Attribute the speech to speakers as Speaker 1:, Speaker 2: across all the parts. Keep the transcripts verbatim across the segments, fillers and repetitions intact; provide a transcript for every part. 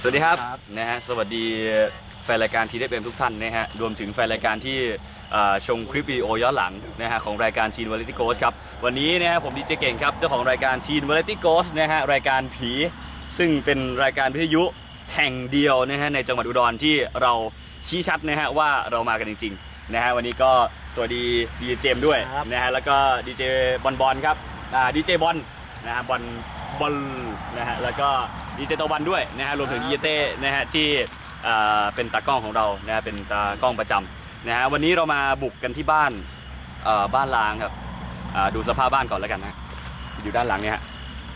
Speaker 1: วัสดีครับนะฮะสวัสดีแฟนรายการทีเด็ดเอ็มทุกท่านนะฮะรวมถึงแฟนรายการที่ชมคลิปวิดีโอย้อนหลังนะฮะของรายการทีนวาไรตี้โกสครับวันนี้นะฮะผมดีเจเก่งครับเจ้าของรายการทีนวาไรตี้โกสนะฮะรายการผีซึ่งเป็นรายการวิทยุแห่งเดียวนะฮะในจังหวัดอุดรที่เราชี้ชัดนะฮะว่าเรามากันจริงๆนะฮะวันนี้ก็สวัสดีดีเจเจมด้วยนะฮะแล้วก็ดีเจบอลบอลครับดีเจบอลนะฮะบอลบอลนะฮะแล้วก็ดีเจตะวันด้วยนะฮะรวมถึงดีเจเต้นะฮะที่เป็นตากล้องของเรานะฮะเป็นตากล้องประจำนะฮะวันนี้เรามาบุกกันที่บ้านบ้านล้างครับดูสภาพบ้านก่อนแล้วกันนะอยู่ด้านหลังเนี่ยฮะ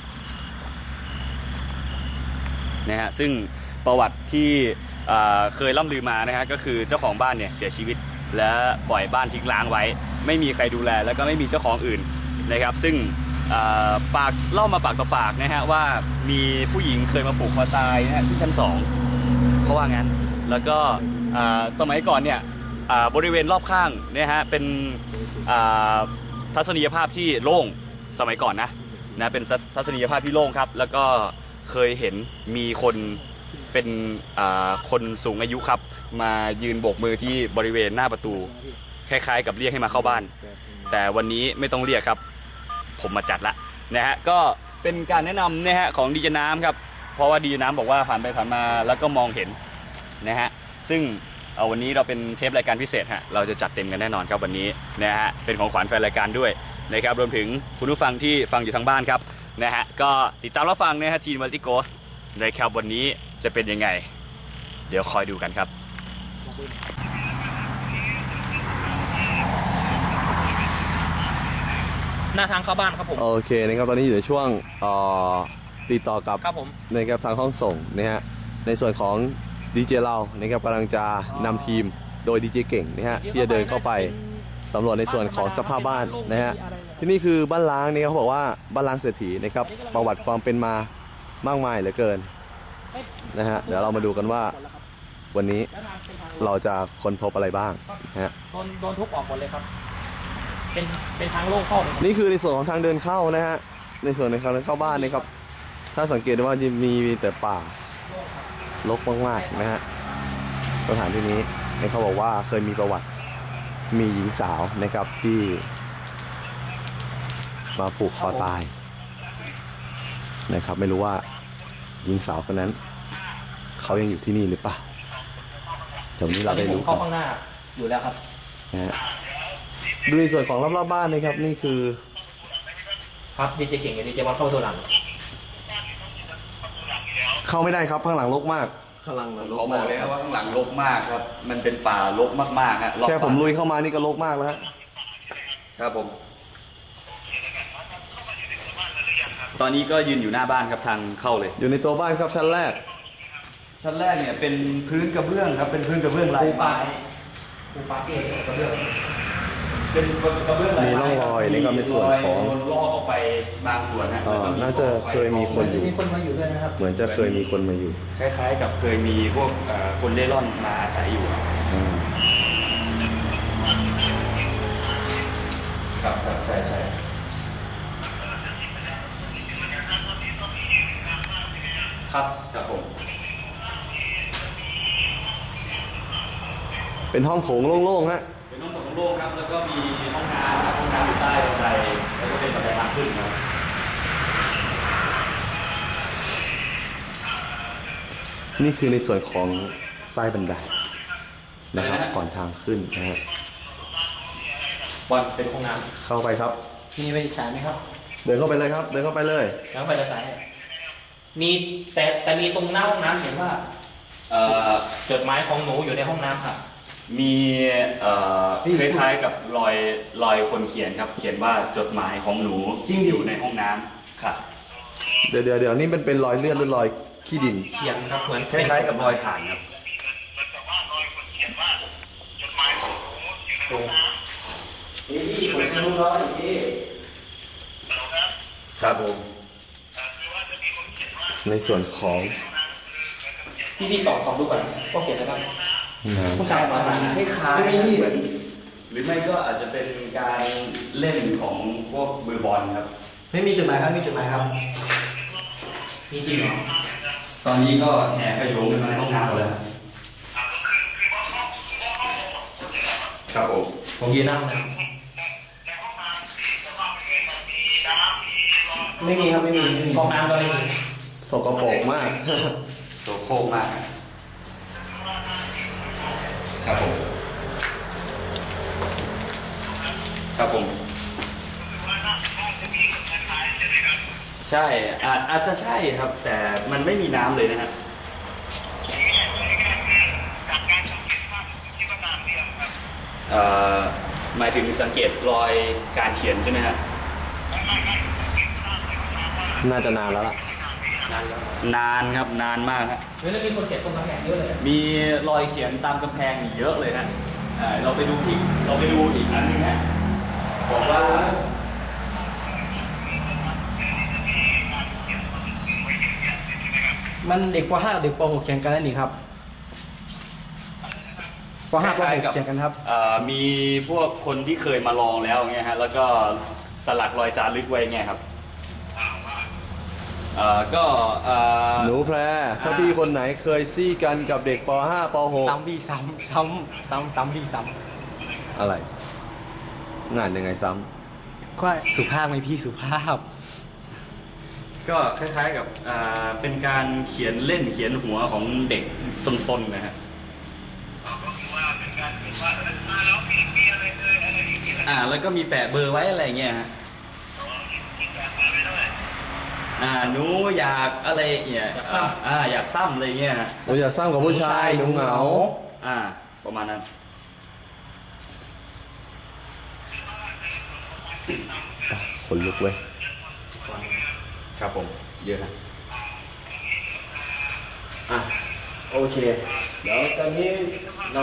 Speaker 1: นะฮะซึ่งประวัติที่เคยล่ำลือมานะฮะก็คือเจ้าของบ้านเนี่ยเสียชีวิตและปล่อยบ้านทิ้งร้างไว้ไม่มีใครดูแลแล้วก็ไม่มีเจ้าของอื่นนะครับซึ่งปากเล่ามาปากต่อปากนะฮะว่ามีผู้หญิงเคยมาผูกคอตายนะฮะที่ชั้นสองเขาว่างั้นแล้วก็สมัยก่อนเนี่ยบริเวณรอบข้างนะฮะเป็นทัศนียภาพที่โล่งสมัยก่อนนะนะเป็นทัศนียภาพที่โล่งครับแล้วก็เคยเห็นมีคนเป็นคนสูงอายุครับมายืนโบกมือที่บริเวณหน้าประตูคล้ายๆกับเรียกให้มาเข้าบ้านแต่วันนี้ไม่ต้องเรียกครับผมมาจัดละนะฮะก็เป็นการแนะนำนะฮะของดีเจน้ำครับเพราะว่าดีเจน้ำบอกว่าผ่านไปผ่านมาแล้วก็มองเห็นนะฮะซึ่งเอาวันนี้เราเป็นเทปรายการพิเศษฮะเราจะจัดเต็มกันแน่นอนครับวันนี้นะฮะเป็นของขวัญแฟนรายการด้วยนะครับรวมถึงคุณผู้ฟังที่ฟังอยู่ทางบ้านครับนะฮะก็ติดตามรับฟังนะฮะทีนวาไรตี้โกสต์นะครับวันนี้จะเป็นยังไงเดี๋ยวคอยดูกันครับ
Speaker 2: หน้าทางเข้าบ้านครับผม
Speaker 3: โอเคนะครับตอนนี้อยู่ในช่วงติดต่อกับ
Speaker 2: ครับผม
Speaker 3: นะครับทางห้องส่งนะฮะในส่วนของดีเจเรานะครับกำลังจะนำทีมโดยดีเจเก่งนะฮะที่จะเดินเข้าไปสำรวจในส่วนของสภาพบ้านนะฮะที่นี่คือบ้านล้างนี่เขาบอกว่าบ้านล้างเศรษฐีนะครับประวัติความเป็นมามากมายเหลือเกินนะฮะเดี๋ยวเรามาดูกันว่าวันนี้เราจะค้นพบอะไรบ้างนะฮะ
Speaker 2: โดนโดนทุบออกหมดเลยครับเป็นเป็นทางโล่งเข้า
Speaker 3: นี่คือในส่วนของทางเดินเข้านะฮะในส่วนในทางเดินเข้าบ้านนะครับถ้าสังเกตว่าจะมีแต่ป่ารกมากๆนะฮะสถานที่นี้เขาบอกว่าเคยมีประวัติมีหญิงสาวนะครับที่มาผูกคอตายนะครับไม่รู้ว่าหญิงสาวคนนั้นเขายังอยู่ที่นี่หรือเปล่าเดี๋ยวนี้เราได้รู้
Speaker 2: เข้าข้างหน้าอยู่แล้วครับ
Speaker 3: นะฮะดูในส่วนของรอบๆบ้านนะครับนี่คือ
Speaker 2: ครับดีเจเก่งกับดีเจบอลเข้าตัวหลัง
Speaker 3: เข้าไม่ได้ครับข้างหลังรกมากข้างหลังรก
Speaker 1: เขาบอกเลยครับว่าข้างหลังรกมากครับมันเป็นป่ารกมากๆฮะ
Speaker 3: แค่ผมลุยเข้ามานี่ก็รกมากแล้ว
Speaker 1: ครับผมตอนนี้ก็ยืนอยู่หน้าบ้านครับทางเข้าเลย
Speaker 3: อยู่ในตัวบ้านครับชั้นแรก
Speaker 1: ชั้นแรกเนี่ยเป็นพื้นกระเบื้องครับเป็นพื้นกระเบื้องลายไม้
Speaker 2: ปูปาเกตกระเบื้อง
Speaker 1: เป็นกระเบื้องลาย
Speaker 3: ไม้มีร่องรอยนี่ก็ในส่วนของ
Speaker 1: ลอกออกไปบางส่วนนะ
Speaker 3: น่าจะเคยมีคนอยู่
Speaker 2: มีคนมาอยู่ด้วยนะครับ
Speaker 3: เหมือนจะเคยมีคนมาอยู่
Speaker 1: คล้ายๆกับเคยมีพวกคนเล่ร่อนมาอาศัยอยู่ครับครับใช่ใช่ครับครับผม
Speaker 3: เป็นห้องโถงโล่งๆฮะ
Speaker 1: เป็นห้องโถงโล่งครับแล้วก็มีห้องน้ำห้องน้ำอยู่ใต้บันไดแล้วก็เป็นบันไดทางขึ้นครับ
Speaker 3: นี่คือในส่วนของใต้บันไดนะครับก่อนทางขึ้นนะฮะ
Speaker 1: บอลเป็นห้องน้
Speaker 3: ำเข้าไปครับ
Speaker 2: มีไฟฉายไหมครับ
Speaker 3: เดินเข้าไปเลยครับเดินเข้าไปเลย
Speaker 2: แล้วไฟจะฉายมีแต่แต่มีตรงหน้าห้องน้ำเห็นว่าจดหมายของหนูอยู่ในห้องน้ำครับ
Speaker 1: มีคล้ายๆกับรอยรอยคนเขียนครับเขียนว่าจดหมายของหนูอยู่ในห้องน้ำครับ
Speaker 3: เดี๋ยวเดี๋ยวเดี๋ยวนี่เป็นเป็นรอยเลือดหรือรอยขี้ดิน
Speaker 2: เขียนครับเหมือน
Speaker 1: คล้ายๆกับรอยถ่านครับ
Speaker 2: นี่ที่ผมจะรู้ร้อยที่
Speaker 1: ครับผม
Speaker 3: ในส่วนของ
Speaker 2: ที่ที่สองของดูก่อนก็เขียนแล้วครับผู้ชายมา
Speaker 1: คล้ายๆเหมือนหรือไม่ก็อาจจะเป็นการเล่นของพวกมือบอลครับ
Speaker 2: ไม่มีจุดหมายครับมีจุดหมายครับมีจริงเหรอ
Speaker 1: ตอนนี้ก็แห่ขโยงมาในห้องน้ำหมดเลยครับผม
Speaker 2: ผมยืนนั่งนะ
Speaker 4: ไม่มีครับไม่มีไม่มี
Speaker 2: ห้องน้ำก็ไม่มี
Speaker 3: สกปรกมาก
Speaker 1: โสโครกมากครับผมครับผมใช่อาจอาจจะใช่ครับ แต่มันไม่มีน้ำเลยนะฮะเอ่อหมายถึงสังเกตรอยการเขียนใช่ไหมฮะ
Speaker 3: น่าจะนานแล้วล่ะ
Speaker 2: นานแล้ว
Speaker 1: นานครับนานมากครับ
Speaker 2: เฮ้ยแล้วมีคนเขียนตรงกำแพงเยอะเลย
Speaker 1: มีรอยเขียนตามกำแพงเยอะเลยฮะอ่าเราไปดูอีกเราไปดูอีกอันหนึงฮะบอกว่า
Speaker 4: มันเด็กป .ห้า เด็กป .หก เขียนกันนั่นนี่ครับป .ห้า ป .หก เขียนกันครับ
Speaker 1: เอ่อมีพวกคนที่เคยมาลองแล้วเงี้ยฮะแล้วก็สลักรอยจารึกไว้เงี้ยครับเอ่อก็เอ่อ
Speaker 3: หนูแพร ถ้าพี่คนไหนเคยซี่กันกับเด็กป .ห้า ป .หก
Speaker 4: ซ้ำพี่ซ้ำซ้ำซ้ำซ้ำพี่ซ้
Speaker 3: อะไร งานยังไงซ้
Speaker 4: ำก็สุภาพไหมพี่สุภาพ
Speaker 1: ก็คล้ายๆกับอ่าเป็นการเขียนเล่นเขียนหัวของเด็กซนๆนะฮะอ่าแล้วก็มีแปะเบอร์ไว้อะไรเงี้ยฮะอ่าหนูอยากอะไรเนี่ยอ่าอ่าอยากซ้ำอะไรเงี้ยฮะ
Speaker 3: ำหนูอยากซ้ำกับผู้ชายหนูเหงา
Speaker 1: อ่าประมาณนั้น
Speaker 3: คนลุกเว้ย
Speaker 1: ครับผมเยอะนะ
Speaker 4: อ่ะโอเค เดี๋ยวตอนนี้เรา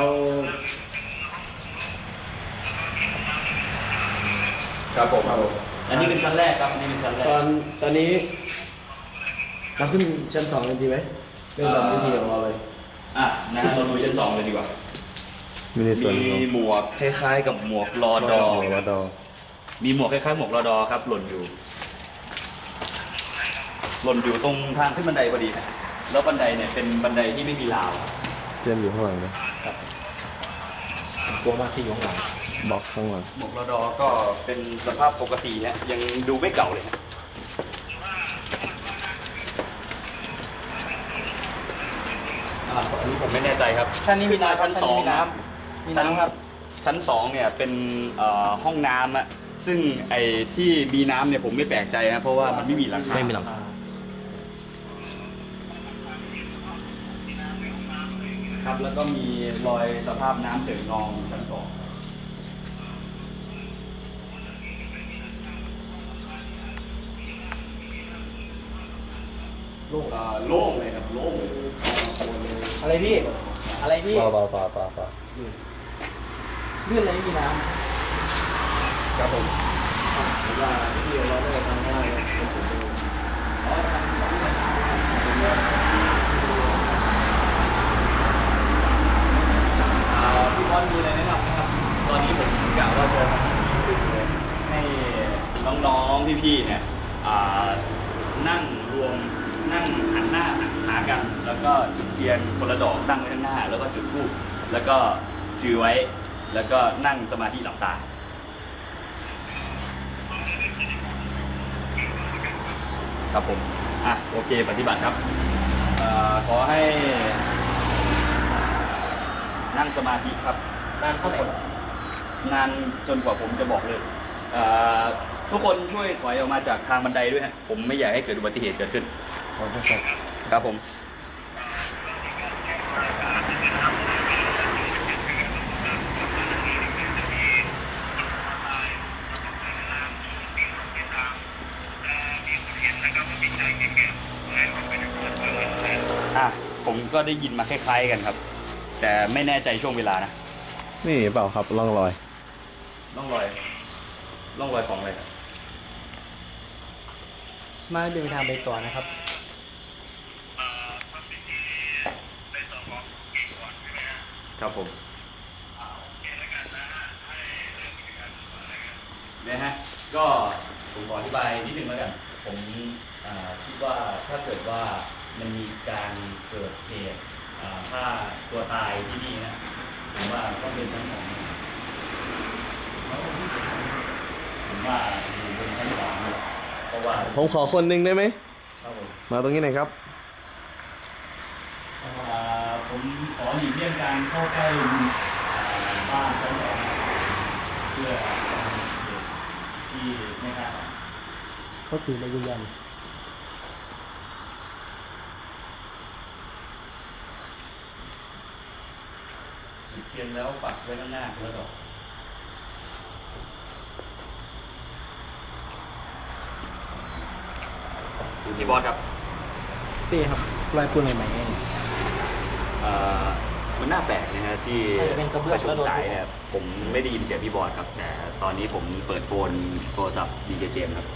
Speaker 1: ครับผมอันนี้เป็นชั้นแรกครับอันนี้เป็นชั้นแรก
Speaker 4: ตอนตอนนี้เราขึ้นชั้นสองกันดีไหมเรื่องตามวิธีของเราเลย
Speaker 1: อ่ะนะฮะเราดูชั้นสองเลยดีกว่า
Speaker 3: มีในส่วน
Speaker 1: มี
Speaker 3: ของ
Speaker 1: หมวกคล้ายๆกับหมวกรอดอ
Speaker 3: รอดอ
Speaker 1: มีหมวกคล้ายๆหมวกรอดอครับหล่นอยู่ หล่นอยู่ตรงทางขึ้นบันไดพอดีนะแล้วบันไดเนี่ยเป็นบันไดที่ไม่มีราว
Speaker 3: เตรียมอยู่ข้างหลังนะ
Speaker 2: กลัวมากที่อยู่ข้างหลัง
Speaker 3: บล็อกข้างหลัง
Speaker 1: หมวกรอดอก็เป็นสภาพปกตินะยังดูไม่เก่าเลยนะอ่าอันนี้ผมไม่แน่ใจครับ
Speaker 4: ชั้นนี้มีน้ำ
Speaker 1: ชั้นสอง
Speaker 4: มีน้ำมีน้ำครับ
Speaker 1: ชั้นสองเนี่ยเป็นเอ่อห้องน้ำอะซึ่งไอ้ที่มีน้ำเนี่ยผมไม่แปลกใจนะเพราะว่ามันไม่มีหลังคา
Speaker 2: ไม่มีหลังคา
Speaker 1: ครับแล้วก็มีรอยสภาพน้ำเจิ่งนองอยู่ชั้นสองโล่งอ่าโล่งเลยครับโล่งเลย
Speaker 4: อะไรพี่ อะไรพี่
Speaker 3: เปล่าเปล่าเปล่าเปล่าเปล่า
Speaker 4: เลื่อนอะไรไม่มีน้
Speaker 1: ครับผม
Speaker 4: ำว่าพี่เราได้ทำได้
Speaker 1: อ่าพี่บอลมีอะไรแนะนำไหมครับตอนนี้ผมกะว่าจะให้น้องๆพี่ๆเนี่ยอ่านั่งรวมนั่งหันหน้าหากัน แล้วก็จุดเทียนคนละดอกตั้งไว้ข้างหน้า แล้วก็จุดธูปแล้วก็ชื่อไว้แล้วก็นั่งสมาธิหลับตาครับผมอ่ะโอเคปฏิบัติครับเอ่อขอให้นั่งสมาธิครับ
Speaker 2: นานเท่าไหร่
Speaker 1: นานจนกว่าผมจะบอกเลยเอ่อทุกคนช่วยถอยออกมาจากทางบันไดด้วยฮะผมไม่อยากให้เกิดอุบัติเหตุเกิดขึ้น
Speaker 4: ขอทดสอบ
Speaker 1: ครับผมอ่ะผมก็ได้ยินมาคล้ายๆกันครับ แต่ไม่แน่ใจช่วงเวลานะ
Speaker 3: นี่เปล่าครับร่องรอย
Speaker 1: ร่องรอยร่องรอยของอะไรครับ
Speaker 4: มาเดินทางไปต่อนะครับ
Speaker 1: ครับผมเนี่ยฮะก็ผมขออธิบายนิดนึงแล้วกันผมอ่าคิดว่าถ้าเกิดว่ามันมีการเกิดเหตุฆ่าตัวตายที่นี่นะผมว่าต้องเป็นชั้นสองผมว่าอยู่บนชั้นสองเพราะว่า
Speaker 3: ผมขอคนหนึ่งได้ไหม
Speaker 1: ครับผม
Speaker 3: มาตรงนี้หน่อยครับ
Speaker 1: ผมขอหลีกเลี่ยงการเข้าใกล้บ้านชั้นสองเพื่อที่ไม่คาดฝัน
Speaker 4: เขาถือมายืนยัน
Speaker 1: จุดเทียนแล้วปักไว้ข้างหน้าคนละดอกพี่บอสครับ
Speaker 4: เต้ครับลายปูนใหม่ๆเนี่ย
Speaker 1: มันน่าแปลกนะฮะที่ประชุมสายเนี่ยผมไม่ได้ยินเสียงพี่บอสครับแต่ตอนนี้ผมเปิดโฟนโทรศัพท์ดีเจเจมส์ครับ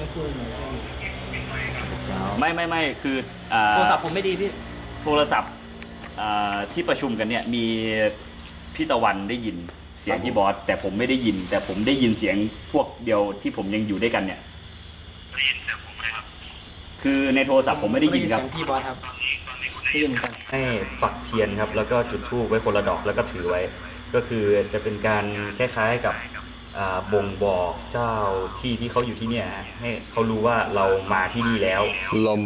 Speaker 1: ไม่ไม่ไม่คือ
Speaker 2: โทรศัพท์ผมไม่ดีพี่
Speaker 1: โทรศัพท์ที่ประชุมกันเนี่ยมีพี่ตะวันได้ยินเสียงพี่บอสแต่ผมไม่ได้ยินแต่ผมได้ยินเสียงพวกเดียวที่ผมยังอยู่ด้วยกันเนี่ยได้ยินเสียงผมไหมครับคือในโทรศัพท์ผมไม่ได้ยินครับ
Speaker 4: พี่บอสครับได้ยินกัน
Speaker 1: ให้ปักเทียนครับแล้วก็จุดธูปไว้คนละดอกแล้วก็ถือไว้ก็คือจะเป็นการคล้ายๆกับบ่งบอกเจ้าที่ที่เขาอยู่ที่เนี่ยให้เขารู้ว่าเรามาที่นี่แล้ว
Speaker 3: ลม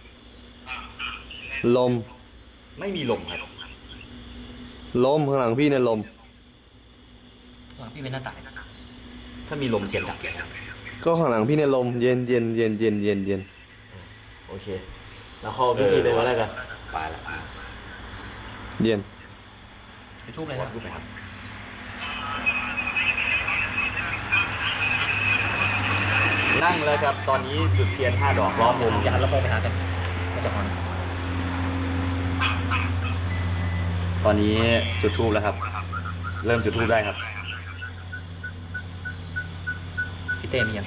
Speaker 3: ลม
Speaker 1: ไม่มีลมครับ
Speaker 3: ลมข้างหลังพี่เนี่ยลม
Speaker 2: ข้างหลังพี่เป็นหน้าต่าง
Speaker 1: ถ้ามีลมเทียนดับเลยครับ
Speaker 3: ก็ข้างหลังพี่เนี่ยลมเย็นเย็นเย็นเย็นเย็นเย็น
Speaker 4: โอเคแล้วเข้าพิธีเลยว่าอะไรกัน
Speaker 1: ไปละ
Speaker 3: เย็น
Speaker 2: ไปทุบเลยครับ
Speaker 1: นั่งแล้วครับตอนนี้จุดเทียนห้าดอกล้อมวง
Speaker 2: อย่าหันแล้วมองไปหากันก็จะฮอน
Speaker 1: ตอนนี้จุดธูปแล้วครับเริ่มจุดธูปได้ครับ
Speaker 2: พี่เต้มียัง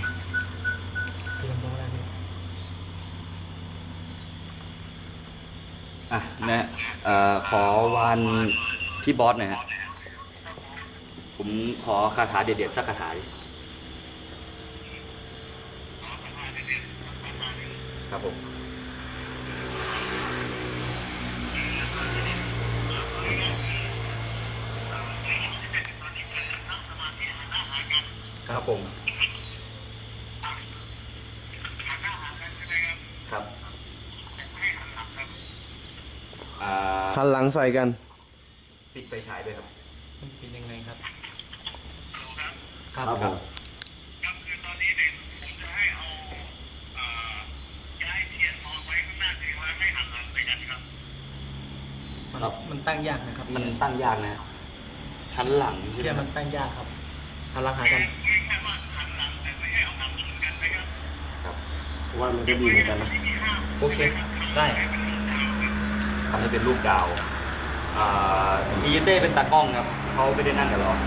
Speaker 1: อ่ะนะขอวันพี่บอสหน่อยฮะผมขอคาถาเด็ดๆสักคาถาครับผมครับผมครับ
Speaker 3: หันหลังใส่กัน
Speaker 1: ปิดไฟฉายด้วยครับ
Speaker 2: เป็นยังไงครับ
Speaker 1: ครับครับ
Speaker 5: คือตอนนี้เนี่ยผมจะให้เอาย้ายเทียนมองไว้ข้างหน้าถือว่าให้หันหลังไปกันครับ
Speaker 4: มันตั้งยากนะครับ
Speaker 1: มันตั้งยากนะหันหลัง
Speaker 4: เทียนมันตั้งยากครับหันหลังหากัน
Speaker 5: แค่ว่าหันหลังแต่ไม่ให้เอาหันชนกันนะครับ
Speaker 1: ครับ
Speaker 4: ว่ามันก็ดีเหมือนกันนะ
Speaker 2: โอเคได้
Speaker 1: ทำให้เป็นรูปดาวดีเต้เป็นตากล้องครับเขาไม่ได้นั่งกับเรา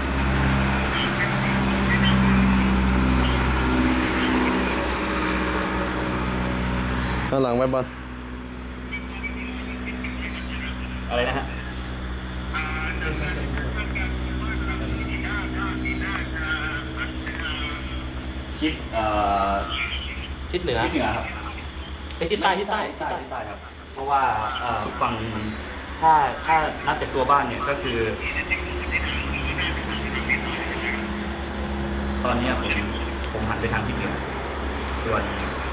Speaker 3: ข้างหลังไว้บอล
Speaker 1: อะไรนะฮะทิศ
Speaker 2: ทิศเหนือ
Speaker 1: ทิศเหนือครับ
Speaker 2: ไปทิศใต้ทิศใต้
Speaker 1: ทิศใต้ทิศใต้ครับเพราะว่าฝั่งถ้าถ้านับจากตัวบ้านเนี่ยก็คือตอนนี้ผมผมหันไปทางทิศเหนือส่วน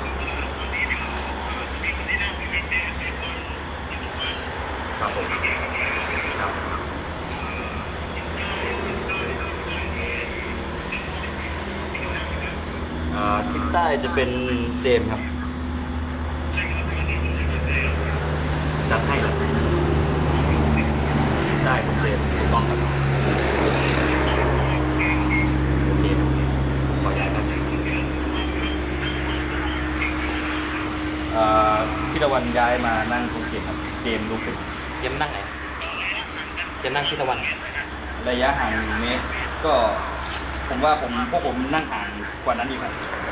Speaker 1: ครับผมครับทิศใต้จะเป็นเจมส์ครับจัดให้เลยได้คุณเจมส์ถูกต้องครับโอเคขอย้ายครับพี่ตะวันย้ายมานั่งตรงเจมส์ครับเจมส์ลุกขึ้น
Speaker 2: เจมส์นั่งไหนเจมส์นั่งพี่ตะวัน
Speaker 1: ระยะห่างหนึ่งเมตรก็ผมว่าผมพวกผมนั่งห่างกว่านั้นอีกครับ